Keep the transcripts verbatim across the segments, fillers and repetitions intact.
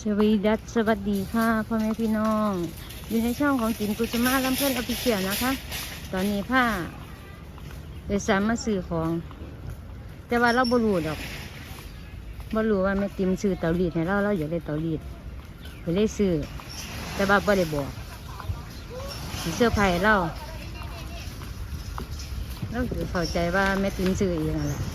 สวัสดีดัสสวัสดีค่ะพ่อแม่พี่น้องอยู่ในช่องของจินกุจมาลำเพื่อนอภิเชียนะคะ ตอนนี้ผ้าโดยสารมาซื้อของ แต่ว่าเราบรูดอกบรูว่าแม่ติมซื้อเตารีดให้เราเราอยากได้เตารีดไปเลยซื้อแต่ว่าบ่ได้บอกสิเสื้อผ้าให้เราเราคือเข้าใจว่าแม่ติมซื้อเองนั่นแหละ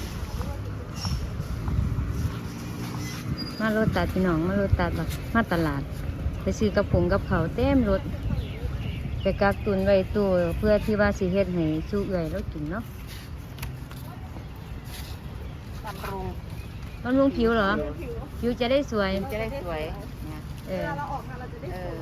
มาโรตัดพี่น้องมาโรตัดแบบมาตลาดไปซื้อกับผงกับเขาวเต็มรถไปกักตุนไว้ตู้เพื่อที่ว่าสิเฮ็ดให้สู้เอื่อยแล้วกินเนาะบำรุงบำรุงผิวเหรอผิวจะได้สวยจะได้สวยเนี่ยเออเออ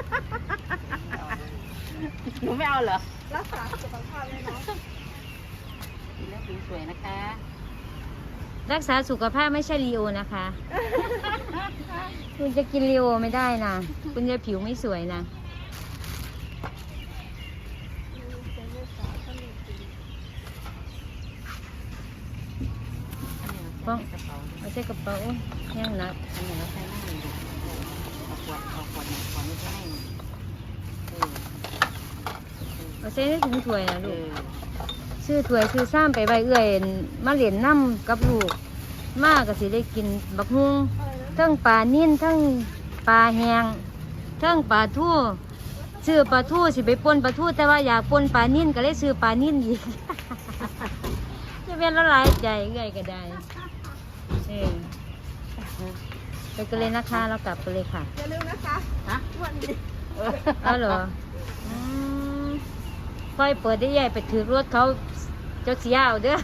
หนูไม่เอาเหรอรักษาสุขภาพเลยเนาะกินแล้วผิวสวยนะคะรักษาสุขภาพไม่ใช่ลีโอนะคะ คุณจะกินลีโอไม่ได้นะคุณจะผิวไม่สวยนะป้องเอาใส่กระเป๋าแห้งนักอันนี้เราใช้หน้าเลยเอาขวดเอาขวดเนี่ยขวดนี้จะให้เออเอาใส่ในถุงถ้วยนะเอลูกอซื้อถ้วยซื้อซ้ำไปใบเอื่อยมาเหรียญน้ำกับลูกมากก็สิได้กินบักฮุงทั้งปลานิ่นทั้งปลาแห้งทั้งปลาทู่ซื้อปลาทู่สิไปปนปลาทู่แต่ว่าอยากปนปลานิ่นก็เลยซื้อปลานิ่นอีก จะเป็นละลายใจเอื่อยก็ได้เออไปกันเลยนะคะเรากลับกันเลยค่ะอย่าลืมนะคะฮะวันดีเออเอาเหรออืมค่อยเปิดได้ใหญ่ไปถือรถเขาเจ้าเสียเอาเด้อ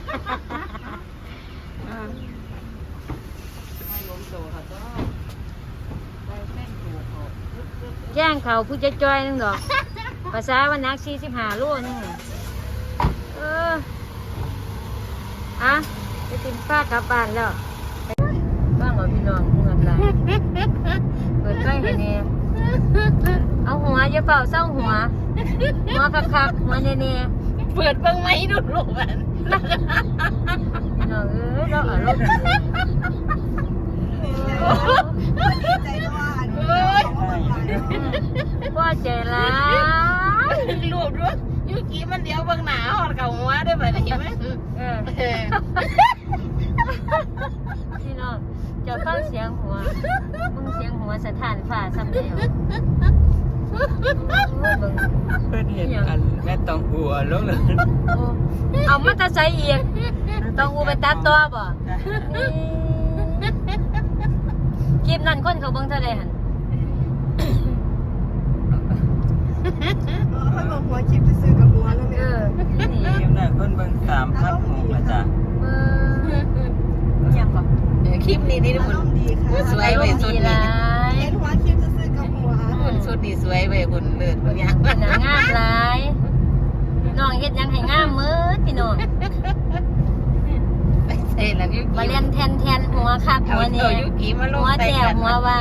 ให้ล้มโตค่ะก็ไปเส้นถูกเขาแจ้งเขาผู้จะจอยนึงดอก ภาษาวันนักสี่สิบห้าโลนึงเอออะจะติมป้ากลับบ้านแล้วบ้างเหรอพี่น้องเงินไรเปิดไฟให้เนี่ยเอาหัวอย่าเป่าเศร้าหัว หัวคักๆหัวเน่ๆเปิดเบิ่งไหมดูลูกมันพี่น้องเอ้ยเราอารมณ์ดีใจด้วยเอ้ยพ่อใจร้ายรูปด้วยยูกี้มันเดียวเบิ่งหนาหอดกับหัวได้แบบนี้ไหมเออเออพี่น้องจะฟังเสียงหัวมึงเสียงหัวสถานฝ่าซ้ำเดียวโอ้เบิ่งเพื่อนเห็นอันแม่ตองอัวลงเลยโอ้เอามาตาใส่อีกต้องอูไปตัดตัวบ่คลิปนั้นคนเขาเบิ่งเท่าใดหั่นค่อยบอกหัวคลิปจะซื้อกับหัวแล้วเอเนี่ยอนี่เกมน่ะเพิ่นเบิ่งสามพันหกอาจารย์เบิ่งยังบ่เออคลิปนี้นี่อาคุรณมณ์ดีค่ะสวยอารมณ์ดีหลายเห็นหัวคลิปจะซื้อกับหัวคุณสุดดีสวยเว้ยคุณเลิศคุณยังเป็นนางงามหลายน้องเฮ็ดหยังให้งามมืดพี่น้องไปเซ่แล้วยูมากี้เรียนแทนแทนหัวคักเอาหัวเนี่ตัวย ยูกี้มาลหังวใส่แจ่กันหัวว่า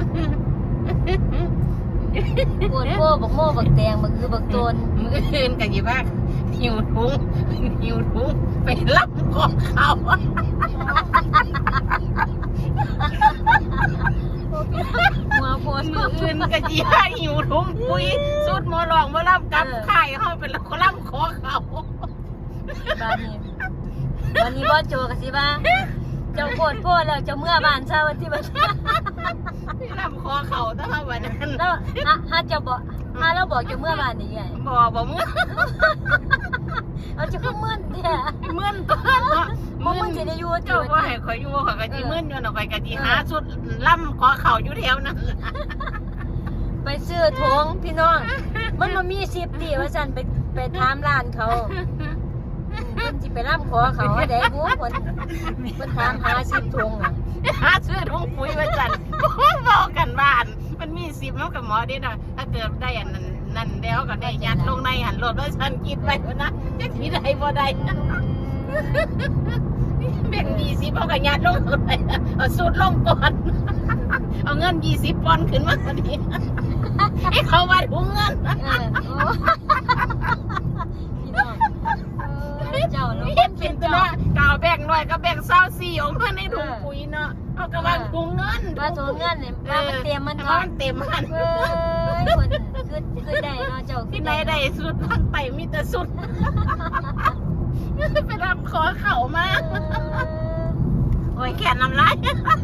ปวดโป้บักโม่บักแตงบักคือบักโตนมือคืนกันยี่บ้าหิวทุงหิวทุงไปรับของเขาหัวโพนมือคืนกันยี่บ้าหิวทุงปุยสุดหมอลองมารับกับไข่เขาเป็นคนรับขอเขาบ้านนี้วันนี้บ่โจกสิบ้าเจ้าโพดโพดแล้วเจ้าเมื่อบ้านเช้าวันที่บ้านรับขอเขาตั้งแต่วันนั้นแล้วฮะฮะเจ้าบอกฮะเราบอกเจ้าเมื่อบ้านนี่ไงบอกบอกมึงเอาเจ้าก็มึนแท้เมื่อนก้อนเนาะบ่มึนสิได้อยู่เจ้าว่าให้คอยอยู่ขอยกะจีเมื่อนอยู่เนาะคอยกะจีหาสุดล่ำขอเข่าอยู่แถวนั้นไปซื้อทงพี่น้องมันมามีสิบตีว่าซั่นไปไปถามร้านเขาเพิ่นสิไปร่ำขอเขาว่าได้บ่เพิ่นเพิ่นถามหาสิบทงอ่ะหาซื้อถุงปุ๋ยมาจันบอกกันบ้าน มันมีสิบแล้วกับหมอดินะถ้าเกิดได้อันนั้นนั่นแล้วก็ได้ยัดลงในหันรถแล้วฉันคิดไปนะจะทีใดบ่ได้แบ่งยี่สิบเอากับยัดลงเลยเอาสูตรลงก่อนเอาเงินยี่สิบปอนด์ขึ้นมาพอดีให้เขามาถุงเงินเออโอ้พี่น้องเออเจ้าเนาะเฮ็ดเป็นตัวกาวแบ่งหน่อยก็แบ่งเศร้าสี่ออกมาในถุงปุ๋ยเนาะเเอากระบาถุงเงินว่าถุงเงินเนี่ยว่ามันเตรียมมันเออเนาะมันเต็มมันเอ้ยคนคือคือได้เนาะเจ้าที่ไหนได้สุดทางไตมีแต่สุด ไปรับขอเข่ามา โอ้ยแขนน้ำลาย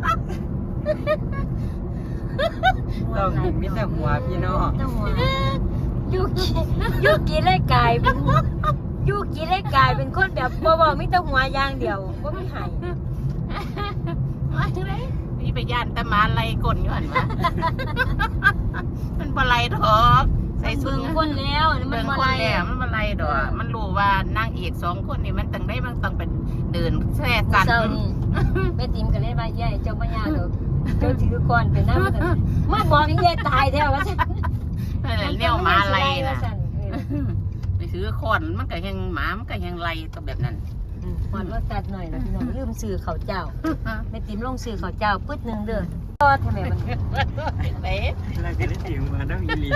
ต้องมิตรหัวพี่น้องเจ้าหัวยูกิยูกิเลยกลายเป็นยูกิเลยกลายเป็นคนแบบบ่บ่มีแต่หัวอย่างเดียวบ่มีหายมาเลยนี่ไปย่านตะมาไล่กลอยู่หันวะ มันบะไลดอกใส่สุดเบิ่งคนแล้วมัเบิ่นงบ่คนไรแล้วมันบะไลดอกมันรู้ว่านางเอกสองคนนี่มันตั้งได้มันต้องเป็นเดินแช่กันเจ้านี่แม่ติ๋มก็เลยว่าใหญ่เจ้าบ่ยากดอกเจ้าถือก่อนเป็นน้ำมันมาบอกให้ยายตายแท้ว่าซั่นเออเนี่ยหมาไล่น่ะไปซื้อคอนมันก็ยังหมามันก็ยังไล่ตัวแบบนั้นหอนว่าตัดหน่อยนะพี่น้องลืมซื้อข้าวเจ้าแม่ติ๋มลงซื้อข้าวเจ้าปึ๊ดหนึงเด้อก็ทำไมมันเป๊ะเราจะได้ถึงมาต้องอีลี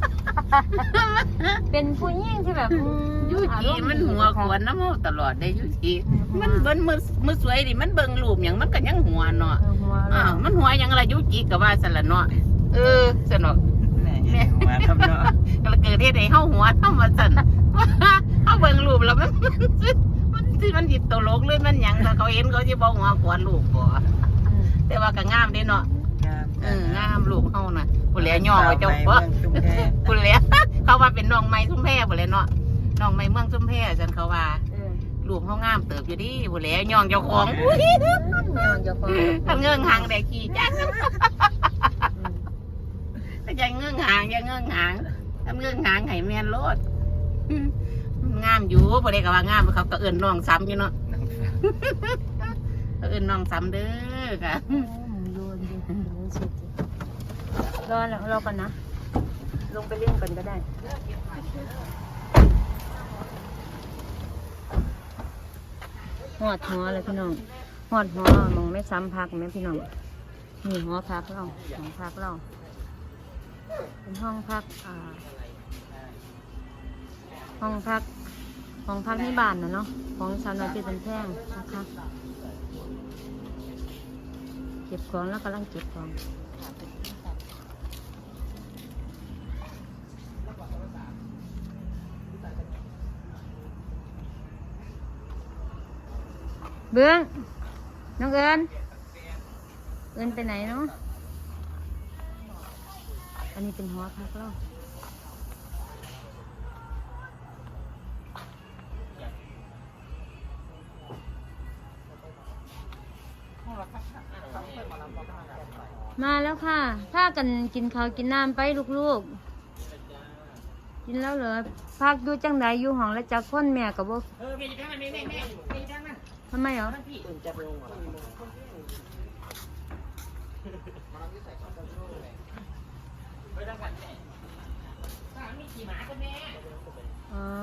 เป็นผู้หญิงที่แบบอืมยูอาจีรณ์มันหัวขวนน้ำมูตลอดได้ยูจีอืมมันเบิ่นมือมือสวยดิมันเบิ่งรูปอย่างมันก็ยังหัวเนาะเออหัวอ้าวมันหัวยังอะไรยูจีก็ว่าสละเนาะเออสนุกแม่หัวทำเนาะก็เกิดเหตุให้เฮาหัวเฮามาสั่นเฮาเบิ่งรูปแล้วมันมันที่มันจิตตลกเลยมันหยังถ้าเขาเห็นเขาสิบ่หัวขวนรูปบ่อืมแต่ว่าก็งามเด้เนาะงามเอองามรูปเฮาน่ะผู้แลย่อไว้เจ้าบ่ตุ้มแค่ผู้แลเขาว่าเป็นน้องไม้ซุ่มแพบ่เลยเนาะน้องไม้เมืองซุ่มแพจังเขาว่าเออรูปเขางามเติบอยู่ดิผู้แลย่องเจ้าของอุ้ยแม่งเจ้าของทำเงื่องหางได้ขี่จัก อย่าเงื่องหางอย่าเงื่องหางทำเงื่องหางให้แม่นโลดงามอยู่บ่ได้ก็ว่างามเขาก็เอิ้นน้องซ้ำอยู่เนาะเขาเอิ้นน้องซ้ำเด้อค่ะอืมโดนดิโดนสุดดิรอแล้วรอก่อนนะ ลงไปเล่นก่อนก็ได้หอดหัวเลยพี่น้องหอดหัวมองไม่ซ้ำพักไหมพี่น้องนี่หัวพักเราหัวพักเราเป็นห้องพักอ่าห้องพักห้องพักในบ้านนะเนาะของสาวน้อยเจ็ดเป็นแท่งนะคะเก็บของแล้วกำลังเก็บของเบื้องน้องเอิญเอิญไปไหนเนาะอันนี้เป็นหัวพักเรามาแล้วค่ะถ้ากันกินข้าวกินน้ำไปลูกๆกินแล้วเหรอพักดูจังไหนอยู่ห้องแล้วจักคนแม่กับบ่เออมีจังนั้นมีแม่แม่มีจังนั้นทำไมเหรอพี่อ๋อ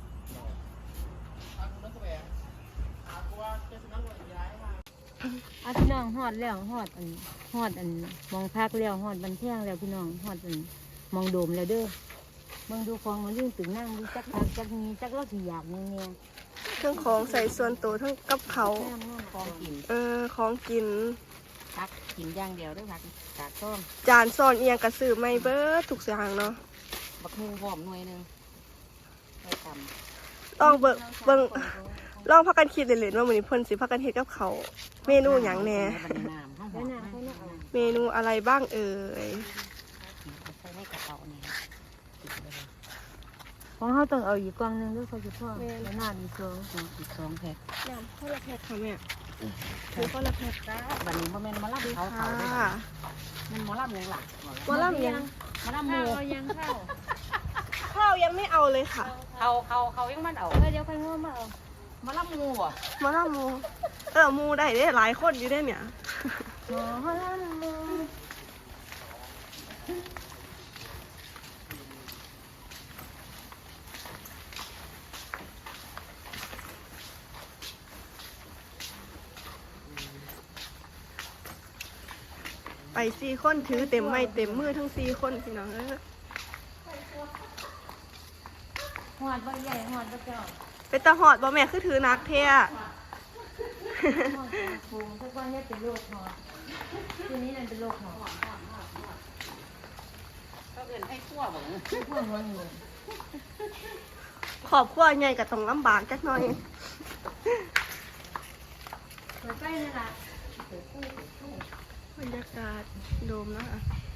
อาพี่น้องหอดแล้วหอดอันหอดอันมองพักแล้วหอดบันเทิงแล้วพี่น้องหอดอันมองโดมแล้วเด้อมองดูฟองมันเรื่องตึงนั่งดูจักพักจักมีจักเล่ากี่อยากเนี่ยเนี่ยทั้งของใส่ส่วนตัวทั้งกับเขาแม่ม่ฟองกินเออของกินพักกินอย่างเดียวด้วยพักกาดต้มจานซ่อนเอียงกระสือไม่เบิดทุกอย่างเนาะบักฮุงหอมหน่วยหนึงไว้ทลองเบิ่งเบิ่งลองพักกันคิดเล่นๆว่ามื้อนี้เพิ่นสิพักกันเฮ็ดกับเขาวเมนูหยังแหน่ำใส่ในน้ำห้องหแล้อวมน่ะแล้วน่ะเอาเมนูอะไรบ้างเอ่ยใส่ในกระเป๋านี่ของเขาต้องเอาอีกกล่องหนึงด้วยเขาจะพ่อแล้วน่าดีสองอีกสองแพ็คน้ำข้าวละแพ็คค่ะแม่คือข้าวละแพ็คจ้าบัดนี้พ่อแม่นมาลับเขาเขาด้วยค่ะมันหมอลับยังหลักบ่ลำยังมาลับหมูเอายังเข้าข้าวยังไม่เอาเลยค่ะเขาเขาเขายังมันเอาเออเดี๋ยวใครง่วงมาเอามาลับหมูอ่ะมาลำหมูเออหมูได้เด้หลายคนอยู่ได้เนี่ยหมอลำมูไปสี่คนถือเต็มไม้เต็มมือทั้งสี่คนพี่น้องเออหอดบ่ใหญ่หอดบ่เจ้าเป็นตาหอดบ่แม่คือถือนักเท่ปูทุกวันนี้เป็นโรคหอบทีนี้นั่นเป็นโรคหอบก็เอิ้นให้คั่วบ่พวกมันเลยขอบครัวใหญ่ก็ต้องลำบากจักหน่อยเปิดไฟนี่ล่ะบรรยากาศโดมนะคะ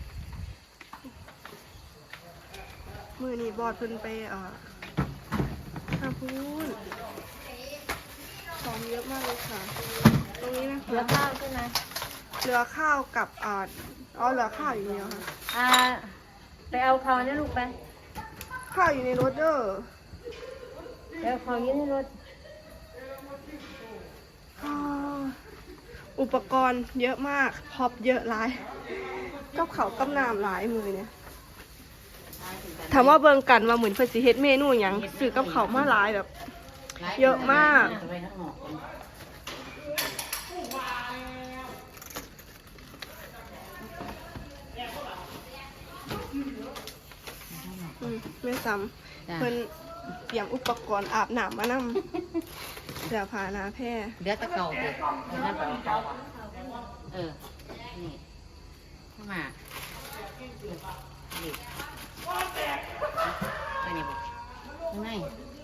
มือนี้บอดเพิ่นไปเอ่อทางพูนของเยอะมากเลยค่ะ ตรงนี้นะเหลือคะข้าวใช่ไหมเหลือข้าวกับอ่าอ๋อเหลือข้าวอยู่เดียวค่ะอ่าไปเอาข้าวเนี่ยลูกไปข้าวอยู่ในรถเด้อไปเอาข้าวยืนในรถอ่าอุปกรณ์เยอะมากพร็อพเยอะหลายกับเขาวกับน้ำหลายมือเนี่ยถามว่าเบิ่งกันว่าเหมือนเพิ่นสิเฮ็ดเมนูหยังซื้อกับเขาวมาหลายแบบ เยอะมากจะไปข้างนอกก่อนอืมแม่ซ้ำเพิ่นเตรียมอุปกรณ์อาบน้ำมานำเสื้อผ้าหนาแพร่เดี๋ยวตะเก่าเด็กเอานั่นไปเอาเก่าอ่ะเออ นี่เข้ามานี่ไปนี่บ่ข้างใน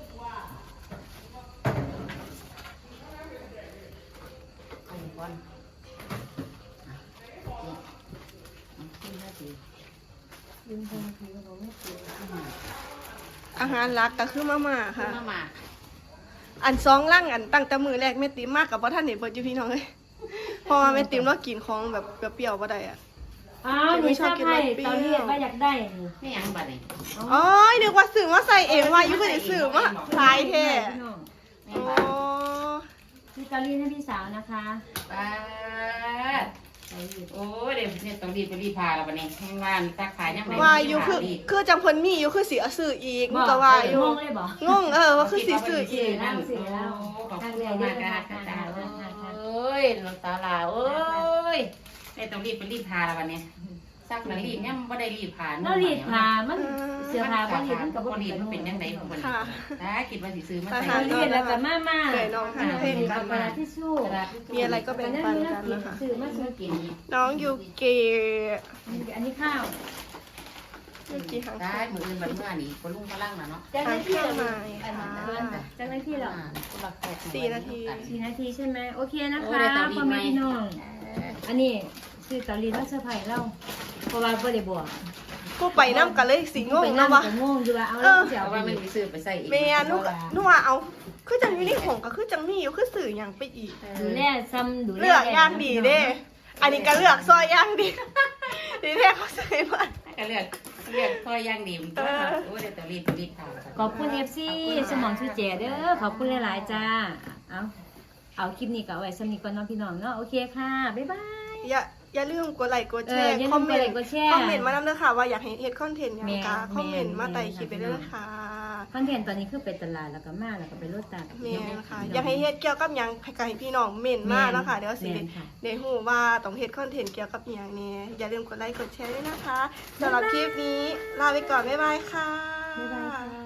เอาอีกก่อนอ่ะนี่เอาขึ้นมาสิยืนตรงนี้เราไม่เกี่ยวเข้ามาอาหารหลักก็คือมาม่าค่ะเข้ามาอันสองล่างอันตั้งแต่มือแรกแม่ติ๋มมากกับว่าท่านเห็นเบิดอยู่พี่น้องเลยเพราะว่าแม่ติ๋มเรากินของแบบเปรี้ยวๆบ่ได้อ่ะอ้าวนี่ชอบให้ตอนนี้ว่าอยากได้นี่ไม่ยังบัดนี่อ๋อนึกว่าสื่อมาใส่เองว่าอยู่เพิ่นสิซื้อมาขายแท้พี่น้องไม่โอ้บัดพี่กาลีให้พี่สาวนะคะป้าดโอ้ยเดี๋ยวเนี่ยต้องรีบไปรีบพาแล้วบัดนี้ให้ว่านตักขายยังไงว่าอยู่คือคือจังเพิ่นมีอยู่คือสิเอาซื้ออีกมันก็ว่าอยู่งงเลยบอกงงเออว่าคือสิซื้ออีกนั่งสิแล้วขอบคุณมากค่ะค่ะจ้าโอ้ยน้องสาวลาโอ้ยเนี่ยต้องรีบไปรีบพาแล้วบัดนี้ซักหนังรีบเนี่ยมันบ่ได้รีบพาแล้วรีดผ้ามันเสื้อผ้าบ่รีดมันก็บ่บ่รีรีบดมันเป็นยังไงของมันค่ะถ้าคิดว่าสิซื้อมาอาใส่หารรีดแล้วก็มามาเคยน้องหันเพลงกันกระดาษทิชชู่มีอะไรก็แบ่งปันกันนะคะซื้อมาซื้อกินน้องยูเกะอันนี้ข้าวยูกิหางได้มืออื่นบัดเมื่อนี่บ่ลุงพลังน่ะเนาะจากนั้นที่เราทางเครื่องหมายค่ะจากนั้นที่เราสี่นาทีสี่นาทีใช่ไหมโอเคนะโอ้คะได้เตารีพ่อดไหมแม่พี่น้อง อันนี้ซื้อเตารีดมาเซอร์ไพรส์เราเพราะว่าบ่ได้บอกผู้ไปน้ำกันเลยสิงงไปเนาะวะก็งงอยู่ว่าเอาเอแล้วอจะเพเอาราะไปว่ามันมีซื้อไปใส่อีกเมียนุกนัวเอา คือจังอยู่ในของก็คือจังมีอยู่คือสื่ออย่างไปอีกดูแลซ้ำดูแลเลือกอย่างดีเด้ อันนี้ก็เลือกซอยอย่างดี ดีแท้เขาใส่มาก็เลือกเลือกค่อยย่างดีมันก็โอ้เดี๋ยวต้องรีบรีบทำขอบคุณ เอฟ ซี สมองชูเจเด้อขอบคุณหลายๆจ้า เอาเอาคลิปนี้ก็เอาไว้สำนีก่อนเน้องพี่น้องเนาะโอเคค่ะ บ๊ายบายอย่าอย่าลืมกดไลค์กดแชเออร์อย่าลืมคอมเมนกดไลค์ต์กดแชร์คอมเมนต์มานำเด้อค่ะว่าอยากให้เฮ็ดคอนเทนต์หยังแม่กะนคอมเมนต์มาไต่คลิปไปแม่เด้นอค่ะคอนเทนต์ตอนนี้คือไปตลาดแล้วก็มาแล้วก็ไปรถตัดแม่นค่ะ อยากให้เฮ็ดเกี่ยวกับหยังให้กับให้พี่น้องเม่นมาเนาะค่ะเดี๋ยวสิแม่นค่ะได้ฮู้ว่าต้องเฮ็ดคอนเทนต์เกี่ยวกับหยังนี่อย่าลืมกดไลค์กดแชร์ด้วยนะคะสำหรับคลิปนี้ลาไปก่อนบ๊ายบายค่ะบ๊ายบายค่ะ